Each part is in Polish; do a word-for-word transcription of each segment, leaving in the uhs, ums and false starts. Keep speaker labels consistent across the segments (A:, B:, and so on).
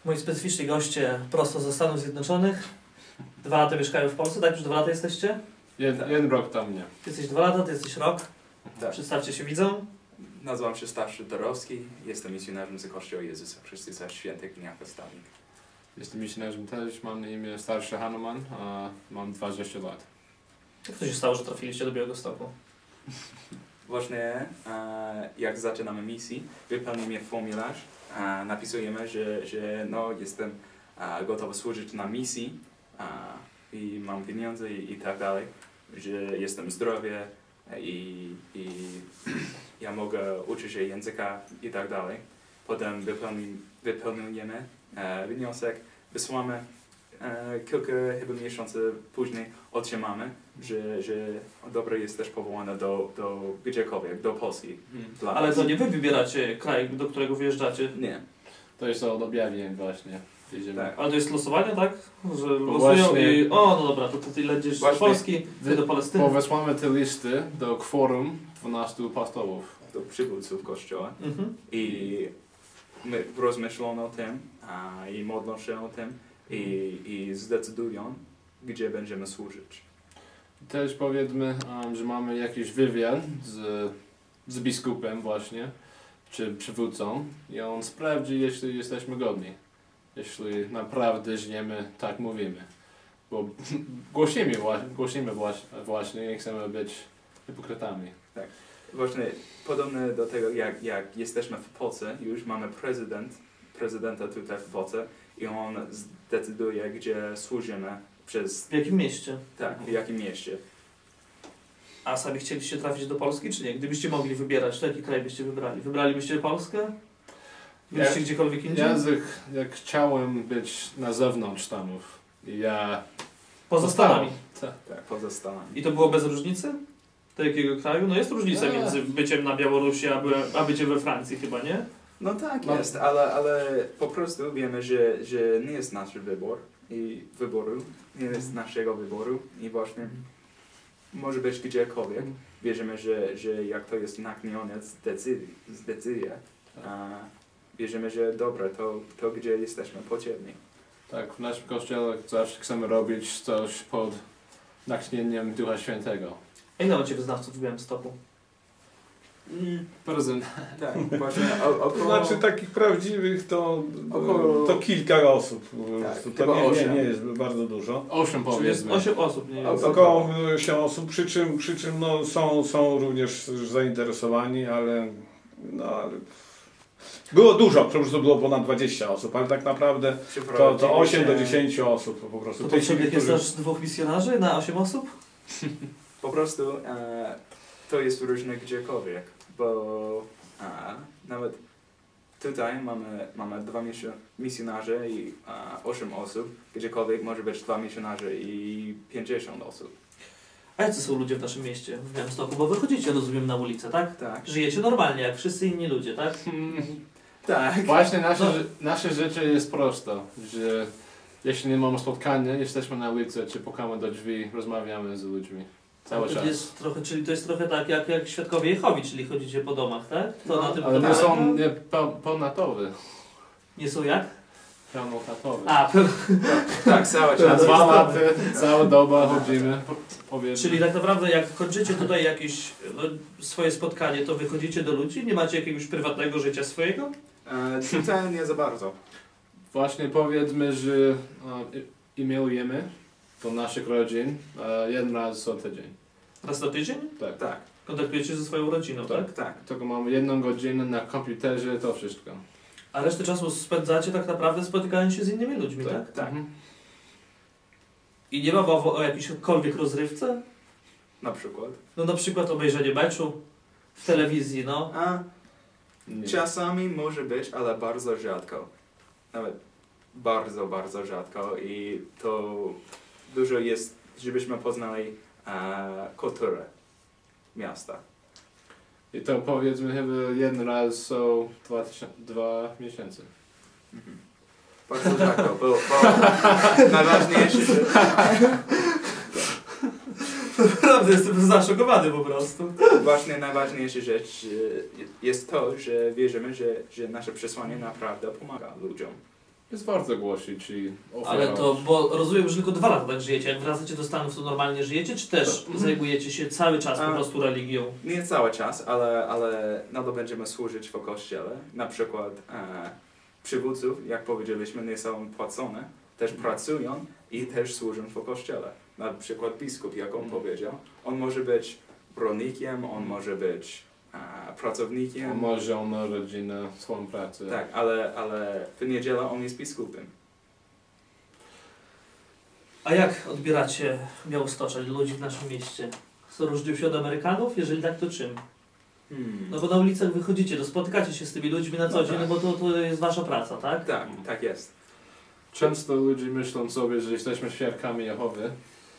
A: Moi specyficzni goście prosto ze Stanów Zjednoczonych. Dwa lata mieszkają w Polsce, tak? Już dwa lata jesteście?
B: Jed,
C: Tak.
B: Jeden rok tam nie.
A: Ty jesteś dwa lata, ty jesteś rok.
C: Tak.
A: Przedstawcie się widzom.
C: Nazywam się Starszy Dorowski, jestem misjonarzem z Kościoła Jezusa Chrystusa Świętych Dni Apostolnych.
B: Jestem misjonarzem też, mam na imię Starszy Hanuman, a mam dwadzieścia lat.
A: Jak to się stało, że trafiliście do Białegostoku?
C: Właśnie e, jak zaczynamy misję, wypełnimy formularz, e, napisujemy, że, że no, jestem e, gotowy służyć na misji e, i mam pieniądze i, i tak dalej, że jestem zdrowy i, i ja mogę uczyć się języka i tak dalej. Potem wypełni, wypełniamy e, wniosek, wysłamy e, kilka chyba miesięcy później otrzymamy, że, że dobra jesteś powołana do, do gdziekolwiek, do Polski.
B: Hmm.
C: Dla
A: Ale
C: nas.
A: to nie wy wybieracie kraj, do którego wyjeżdżacie.
C: Nie.
B: To jest od objawień właśnie. Jedziemy.
C: Tak.
A: Ale to jest losowanie, tak? Że losują
B: właśnie-
A: i o, no dobra, to ty lecisz do
C: Właśnie-
A: Polski, ty do Palestyny.
B: Bo wysłamy te listy do kworum dwunastu apostołów.
C: Do przywódców Kościoła
A: Mhm.
C: i my rozmyślą o tym a, i modlą się o tym i, i zdecydują, gdzie będziemy służyć.
B: Też powiedzmy, um, że mamy jakiś wywiad z, z biskupem właśnie, czy przywódcą i on sprawdzi, jeśli jesteśmy godni. Jeśli naprawdę żyjemy, tak mówimy. Bo głosimy, wła- głosimy właśnie, właśnie nie chcemy być hipokrytami.
C: Właśnie podobne do tego, jak, jak jesteśmy w Polsce, już mamy prezydent, prezydenta tutaj w Polsce i on zdecyduje, gdzie służymy przez,
A: W jakim mieście?
C: tak, w jakim mieście.
A: A sami chcieliście trafić do Polski, czy nie? Gdybyście mogli wybierać, to jaki kraj byście wybrali? Wybralibyście Polskę? Byliście
B: Ja-
A: gdziekolwiek indziej?
B: Język, jak chciałem być na zewnątrz Stanów i ja...
A: Poza Stanami.
B: Tak.
C: Tak, poza Stanami.
A: I to było bez różnicy? Do jakiego kraju? No jest różnica
B: Nie.
A: między byciem na Białorusi, a, by, a byciem we Francji chyba, nie?
C: No tak
B: No.
C: jest, ale, ale po prostu wiemy, że, że nie jest nasz wybór i wyboru, nie jest naszego wyboru i właśnie może być gdziekolwiek. Wierzymy, że, że jak to jest nakłonione z decyzji, z decyzji a wierzymy, że dobre, to, to gdzie jesteśmy potrzebni.
B: Tak, w naszym kościele zawsze chcemy robić coś pod natchnieniem Ducha Świętego.
A: A ile macie wyznawców w Białymstoku?
B: Prezent.
C: Tak, właśnie o,
D: To
C: około...
D: znaczy takich prawdziwych to,
C: Około-
D: to kilka osób. Po
C: Tak,
D: prostu.
C: chyba
D: To nie, nie,
C: osiem.
D: nie jest bardzo dużo.
B: Osiem
A: Czyli jest
B: powiedzmy.
A: osiem osób, nie
C: O-
A: jest.
D: Około osiem osób, przy czym, przy czym no, są, są również zainteresowani, ale, no, ale było dużo, po prostu było ponad dwadzieścia osób, ale tak naprawdę to, to osiem do dziesięciu osób po prostu.
A: To
D: Tych,
A: potrzebnych jest
D: którzy-
A: aż dwóch misjonarzy na osiem osób?
C: Po prostu e, to jest różne gdziekolwiek, bo e, nawet tutaj mamy, mamy dwa misjo- misjonarze i e, osiem osób, gdziekolwiek może być dwa misjonarze i pięćdziesiąt osób.
A: A jacy są ludzie w naszym mieście, w Białymstoku? Bo wychodzicie, rozumiem, na ulicę, tak?
C: Tak.
A: Żyjecie normalnie, jak wszyscy inni ludzie, tak?
C: Tak.
B: Właśnie nasze,
A: No.
B: ży- nasze życie jest proste, że jeśli nie mamy spotkania, jesteśmy na ulicy, czy pukamy do drzwi, rozmawiamy z ludźmi. Cały
A: to
B: czas.
A: jest trochę, czyli to jest trochę tak jak, jak świadkowie Jehowi, czyli chodzicie po domach, tak? To
C: No,
A: na tym
B: Ale nie
A: polega?
B: są nie, pe, pełnatowe.
A: Nie są jak?
B: Pełnotatowe.
A: A, pe-
C: Tak, cały
B: Na
C: czas.
B: dwa lata, cała doba chodzimy, po- powiedzmy.
A: czyli tak naprawdę jak kończycie tutaj jakieś no, swoje spotkanie, to wychodzicie do ludzi? Nie macie jakiegoś prywatnego życia swojego?
C: E, tutaj nie za bardzo.
B: Właśnie powiedzmy, że e, e-mailujemy do naszych rodzin e, jeden raz co tydzień.
A: Raz na tydzień?
B: Tak.
C: Tak,
A: Kontaktujecie ze swoją rodziną, tak?
B: Tak.
C: tak.
B: Tylko mamy jedną godzinę na komputerze, to wszystko.
A: A resztę czasu spędzacie tak naprawdę spotykając się z innymi ludźmi, tak?
B: Tak.
C: Tak.
B: Mhm.
A: I nie ma mowy o jakiejkolwiek rozrywce?
C: Na przykład.
A: No na przykład obejrzenie meczu w telewizji, no.
C: A
B: Nie.
C: czasami może być, ale bardzo rzadko. Nawet bardzo, bardzo rzadko i to dużo jest, żebyśmy poznali e, kulturę miasta.
B: I to powiedzmy chyba jeden raz są dwa, tysiące, dwa miesiące.
C: Mhm. Bardzo rzadko, bo, bo najważniejsze, że
A: Naprawdę jestem zaszokowany po prostu.
C: właśnie najważniejsza rzecz e, jest to, że wierzymy, że, że nasze przesłanie naprawdę pomaga ludziom.
B: Jest warto głosić i
A: Ale
B: oferować.
A: to, bo rozumiem, że tylko dwa lata tak żyjecie. Jak wracacie do Stanów, to normalnie żyjecie, czy też zajmujecie się cały czas po
C: A.
A: prostu religią?
C: Nie cały czas, ale, ale nadal będziemy służyć w kościele. Na przykład e, przywódców, jak powiedzieliśmy, nie są płacone, też pracują i też służą w kościele. Na przykład biskup, jak on powiedział, on może być rolnikiem, on może być e, pracownikiem.
B: On ma żonę, rodzinę, swoją pracę.
C: Tak, ale, ale w niedzielę on jest biskupem.
A: A jak odbieracie Białostocze, ludzi w naszym mieście? Co, różnią się od Amerykanów? Jeżeli tak, to czym?
C: Hmm.
A: No bo na ulicach wychodzicie, to spotykacie się z tymi ludźmi na co
C: No
A: dzień,
C: tak.
A: no bo to, to jest wasza praca, tak?
C: Tak, tak jest.
B: Często ludzie myślą sobie, że jesteśmy świadkami Jehowy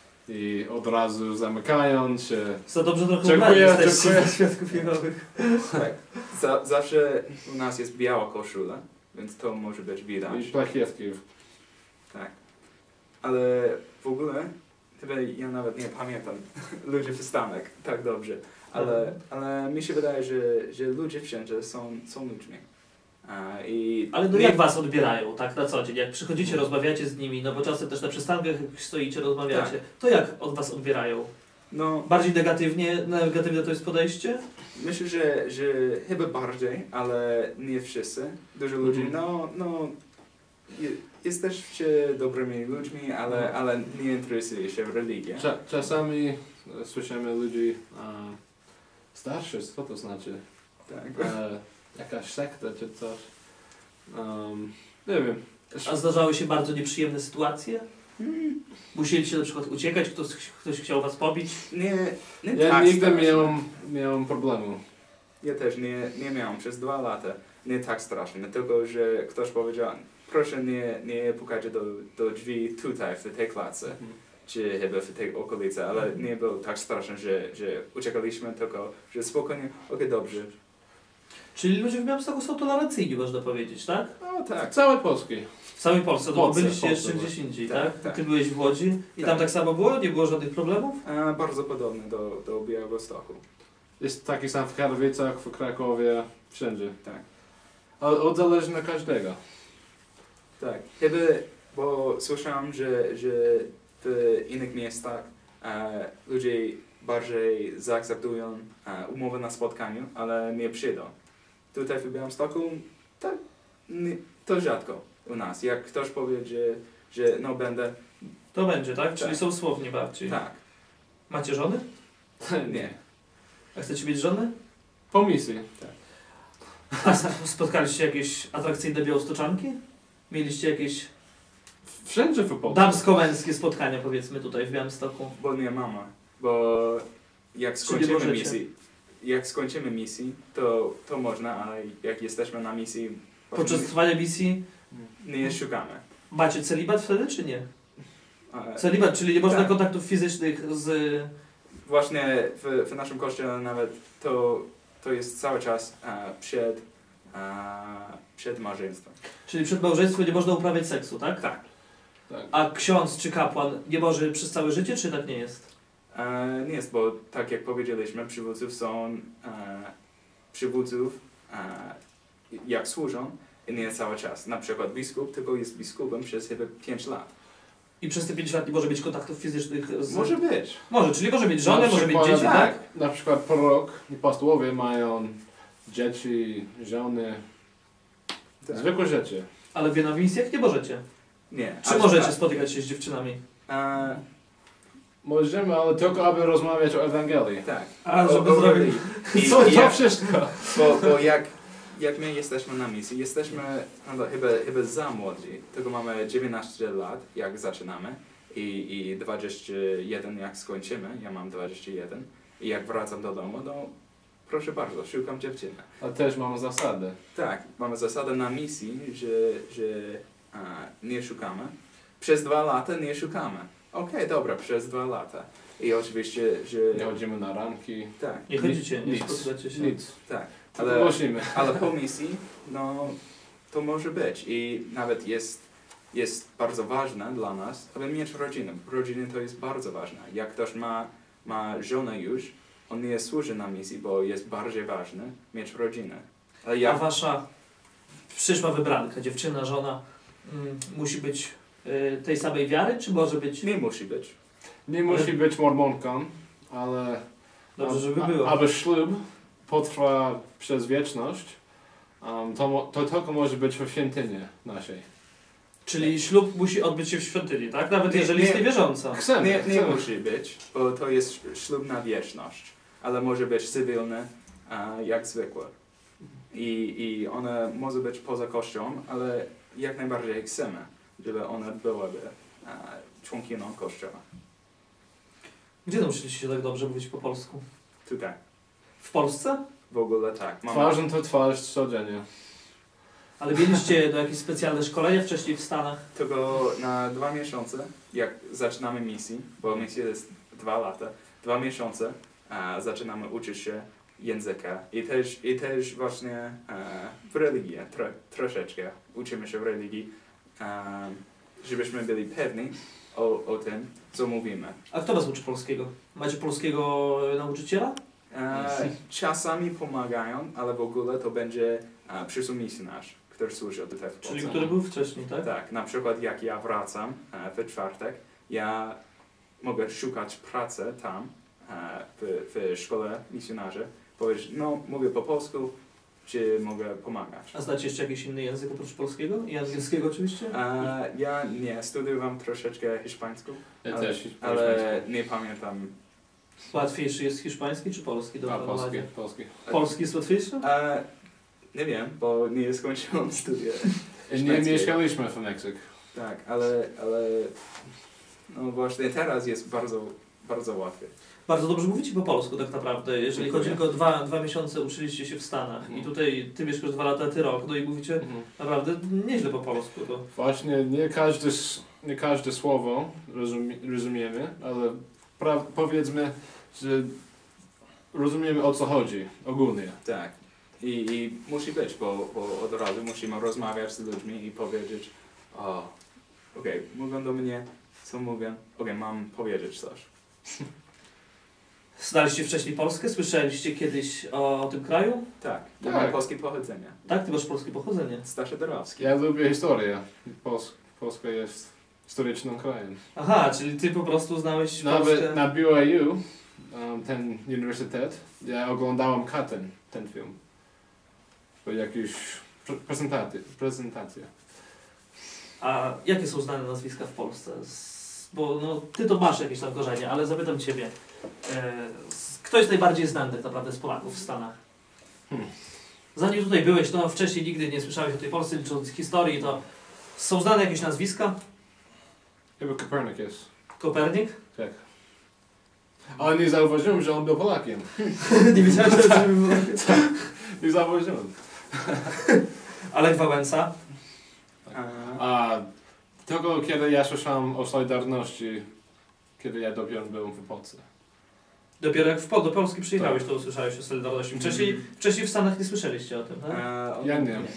B: i od razu zamykają się.
A: Za dobrze trochę
B: Dziękuję,
A: ubrani jesteście
B: dziękuję.
A: za świadków Jehowych.
C: Tak. Za, zawsze u nas jest biała koszula, więc to może być widać.
B: I plakietki.
C: Tak. Ale w ogóle, chyba ja nawet nie pamiętam ludzi przystanek tak dobrze, ale, ale mi się wydaje, że, że ludzie wszędzie są, są ludźmi. A, i
A: Ale no
C: nie-
A: jak was odbierają, tak, na co dzień? Jak przychodzicie, rozmawiacie z nimi, no bo czasem też na przystankach jak stoicie, rozmawiacie,
C: Tak.
A: to jak od was odbierają?
C: No,
A: Bardziej negatywnie, negatywne to jest podejście?
C: myślę, że, że chyba bardziej, ale nie wszyscy. Dużo ludzi,
B: Mhm.
C: no, no, je, jesteście dobrymi ludźmi, ale,
B: Mhm.
C: ale nie interesuje się w religii.
B: Cza czasami e, słyszymy ludzi e, starszych, co to znaczy?
C: Tak.
B: E, jakaś sekta czy coś. Um, nie wiem.
A: A zdarzały się bardzo nieprzyjemne sytuacje?
C: Hmm.
A: Musieliście na przykład uciekać, ktoś, ktoś chciał was pobić?
C: Nie, nie
B: Ja
C: tak
B: nigdy
C: strasznie.
B: miałem, miałem problemu.
C: Ja też nie, nie miałem przez dwa lata. Nie tak strasznie, tylko że ktoś powiedział, proszę nie, nie pukajcie do, do drzwi tutaj, w tej klatce, czy chyba w tej okolicy, ale nie było tak straszne, że, że uciekaliśmy, tylko że spokojnie, okej, dobrze.
A: Czyli ludzie w Białymstoku są tolerancyjni, można powiedzieć, tak?
C: No tak,
B: Całej Polski.
A: W całej Polsce, no bo
B: Polsce,
A: byliście
B: Polsce,
A: jeszcze
B: no.
A: gdzieś indziej,
C: Tak,
A: tak?
C: tak.
A: Ty byłeś w Łodzi i
C: Tak.
A: tam tak samo było? Nie było żadnych problemów?
C: e, bardzo podobne do, do Białegostoku.
B: Jest taki sam w Katowicach, w Krakowie, wszędzie.
C: Tak.
B: Ale od zależy na każdego.
C: Tak, chyba, bo słyszałem, że, że w innych miastach e, ludzie bardziej zaakceptują e, umowę na spotkaniu, ale nie przyjdą. Tutaj w Białymstoku tak, nie, to rzadko u nas. Jak ktoś powie, że, że no będę,
A: To będzie, tak? Czyli
C: Tak.
A: są słowni bardziej.
C: tak,
A: Macie żony?
C: nie.
A: A chcecie mieć żony?
B: Po misji.
A: A sp- spotkaliście jakieś atrakcyjne białostoczanki? Mieliście jakieś
B: Wszędzie w Polsce.
A: damsko-męskie spotkania, powiedzmy, tutaj w Białymstoku?
C: Bo nie mama. Bo jak
A: Czyli
C: skończymy
A: możecie.
C: misję, jak skończymy misję, to, to można, ale jak jesteśmy na misji,
A: Podczas trwania misji
C: nie szukamy.
A: macie celibat wtedy, czy nie?
C: E,
A: Celibat, czyli nie można
C: Tak.
A: kontaktów fizycznych z...
C: Właśnie w, w naszym kościele nawet to, to jest cały czas e, przed, e, przed małżeństwem.
A: Czyli przed małżeństwem nie można uprawiać seksu, tak?
C: Tak.
B: Tak.
A: A ksiądz czy kapłan nie może przez całe życie, czy tak nie jest?
C: E, nie jest, bo tak jak powiedzieliśmy, przywódców są e, przywódców e, jak służą i nie cały czas. Na przykład biskup tylko jest biskupem przez chyba pięć lat.
A: I przez te pięć lat nie może mieć kontaktów fizycznych z...
C: Może być.
A: Może, czyli może mieć żonę,
B: Na
A: może mieć
B: przykład-
A: dzieci, tak?
C: tak.
B: Na przykład prorok i apostołowie mają dzieci, żony,
C: Tak.
B: zwykłe rzeczy.
A: Ale wy na misjach nie możecie.
C: Nie.
A: Czy
C: ale-
A: możecie spotykać się z dziewczynami?
C: E,
B: Możemy, ale tylko aby rozmawiać o Ewangelii.
C: tak.
A: A,
C: O-
A: żeby
C: o-
A: zrobić...
C: I,
B: Co
C: i
B: to
C: jak,
B: wszystko?
C: bo, bo jak, jak my jesteśmy na misji, jesteśmy no, chyba, chyba za młodzi, tylko mamy dziewiętnaście lat, jak zaczynamy i, i dwadzieścia jeden jak skończymy, ja mam dwadzieścia jeden i jak wracam do domu, no proszę bardzo, szukam dziewczyny.
B: A też mamy zasadę.
C: Tak, mamy zasadę na misji, że, że a, nie szukamy. Przez dwa lata nie szukamy. Okej, dobra, przez dwa lata. I oczywiście, że...
B: Nie chodzimy na ramki.
C: Tak,
A: Nie chodzicie, nie
B: Nic.
A: spotykacie się.
B: Nic.
C: tak.
B: Ale
C: Ale,
B: głosimy.
C: ale po misji, no to może być. I nawet jest, jest bardzo ważne dla nas, aby mieć rodzinę. Rodzina to jest bardzo ważne. Jak ktoś ma, ma żonę już, on nie służy na misji, bo jest bardziej ważne mieć rodzinę. Ale
A: A
C: jak...
A: wasza przyszła wybranka, dziewczyna, żona, mm, musi być y, tej samej wiary, czy może być...
C: Nie musi być.
B: Nie musi być mormonką, ale
A: Dobrze, żeby
B: a-
A: było.
B: aby ślub potrwa przez wieczność, um, to, mo- to tylko może być w świątyni naszej.
A: Czyli ślub musi odbyć się w świątyni, tak? Nawet
C: Nie,
A: jeżeli
C: nie.
A: jest niewierząca.
B: Chcemy,
C: Nie, nie
B: chcemy.
C: musi być, bo to jest ślub na wieczność, ale może być cywilny, a, jak zwykle. I, I one może być poza kościołem, ale jak najbardziej chcemy, żeby one byłyby a, członkiną kościoła.
A: Gdzie nauczyliście się tak dobrze mówić po polsku?
C: Tutaj.
A: W Polsce?
C: W ogóle tak. Mama,
B: Twarzą to twarz codziennie.
A: Ale mieliście do jakieś specjalne szkolenia wcześniej w Stanach?
C: tylko na dwa miesiące, jak zaczynamy misję, bo misja jest dwa lata, dwa miesiące a, zaczynamy uczyć się języka i też, i też właśnie a, w religii, tro, troszeczkę uczymy się w religii, a, żebyśmy byli pewni o, o tym, co mówimy.
A: A kto was uczy polskiego? Macie polskiego nauczyciela?
C: A, czasami pomagają, ale w ogóle to będzie a, przyszły misjonarz, który służy tutaj w Polsce.
A: Czyli który był wcześniej, tak?
C: Tak, na przykład jak ja wracam e, w czwartek, ja mogę szukać pracy tam, e, w, w szkole misjonarzy, powiedzieć, no mówię po polsku, czy mogę pomagać.
A: A znacie jeszcze jakiś inny język oprócz polskiego? I angielskiego oczywiście?
C: E, ja nie, studiowałem troszeczkę hiszpańsku,
B: Ja
C: ale,
B: też.
C: ale nie pamiętam.
A: Łatwiejszy jest hiszpański czy polski do
B: A, polski,
A: opanowania?
B: polski.
A: Polski jest łatwiejszy?
C: E, nie wiem, bo nie skończyłem studia.
B: Nie
C: Hiszpańskiego.
B: mieszkaliśmy w Meksyku.
C: Tak, ale, ale no właśnie teraz jest bardzo, bardzo łatwe.
A: Bardzo dobrze mówicie po polsku tak naprawdę. Jeżeli
C: Dziękuję.
A: chodzi tylko o dwa, dwa miesiące uczyliście się w Stanach
B: Mhm.
A: i tutaj ty mieszkasz dwa lata, ty rok, no i mówicie
B: Mhm.
A: naprawdę nieźle po polsku. To.
B: Właśnie nie każde, s- nie każde słowo rozumie, rozumiemy, ale pra, powiedzmy, że rozumiemy o co chodzi ogólnie.
C: Tak. I, I musi być, bo, bo od razu musimy rozmawiać z ludźmi i powiedzieć, o, okej, mówią do mnie, co mówią, okej, mam powiedzieć coś.
A: Znaliście wcześniej Polskę? Słyszeliście kiedyś o, o tym kraju?
C: Tak, ja
B: Tak.
C: mam polskie pochodzenie.
A: Tak? Ty masz polskie pochodzenie.
C: Starzy Dorowski.
B: Ja lubię historię. Pols Polska jest historycznym krajem.
A: Aha, czyli ty po prostu znałeś
B: Nawet
A: Polskę.
B: na B Y U, um, ten uniwersytet, ja oglądałem Katten, ten film. To jakieś pre prezentacje. prezentacje.
A: A jakie są znane nazwiska w Polsce? Z, bo no, ty to masz jakieś tam korzenie, ale zapytam ciebie. E, z, kto jest najbardziej znany tak naprawdę z Polaków w Stanach?
B: Hmm.
A: Zanim tutaj byłeś, no wcześniej nigdy nie słyszałeś o tej Polsce, licząc historii, to są znane jakieś nazwiska?
B: Chyba Copernicus.
A: Kopernik?
B: Tak. Ale nie zauważyłem, że on był Polakiem.
A: nie wiedziałem, że to było.
B: Nie zauważyłem.
A: Alek Wałęsa?
C: A,
B: A tylko kiedy ja słyszałem o Solidarności, kiedy ja dopiero byłem w Polsce.
A: Dopiero jak w, do Polski przyjechałeś, to usłyszałeś o Solidarności. Wcześniej,
C: Mm.
A: wcześniej w Stanach nie słyszeliście o tym, tak?
C: a, on,
B: Ja nie.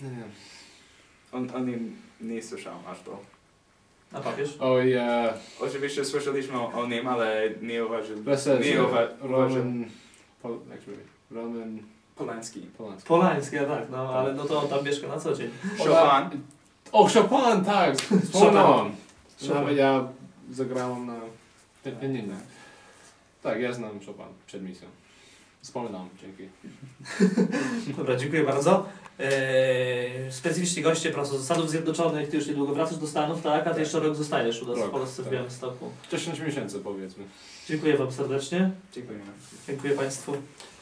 C: On, on nie, nie słyszał aż to.
A: A papież?
B: O ja...
C: Oczywiście słyszeliśmy o, o nim, ale nie uważam.
B: Weselszy.
C: Nie uwa
B: Roman... Pol jak się mówi? Roman...
C: Polański.
B: Polański.
A: Polański, ja tak, no ale no to on tam mieszka na co dzień.
C: Chopin.
B: O, Chopin, tak! Wspomniałem.
A: Chopin.
B: Nawet ja zagrałem na pianinie. Tak, ja znam Chopin przed misją. Wspominam, dzięki.
A: Dobra, dziękuję bardzo. Eee, specyficzni goście prosto ze Stanów Zjednoczonych, ty już niedługo wracasz do Stanów, tak? A ty jeszcze rok zostajesz u nas
B: Rok,
A: w Polsce w
B: tak.
A: Białymstoku.
B: dziesięć miesięcy powiedzmy.
A: Dziękuję wam serdecznie.
C: Dziękujemy.
A: Dziękuję państwu.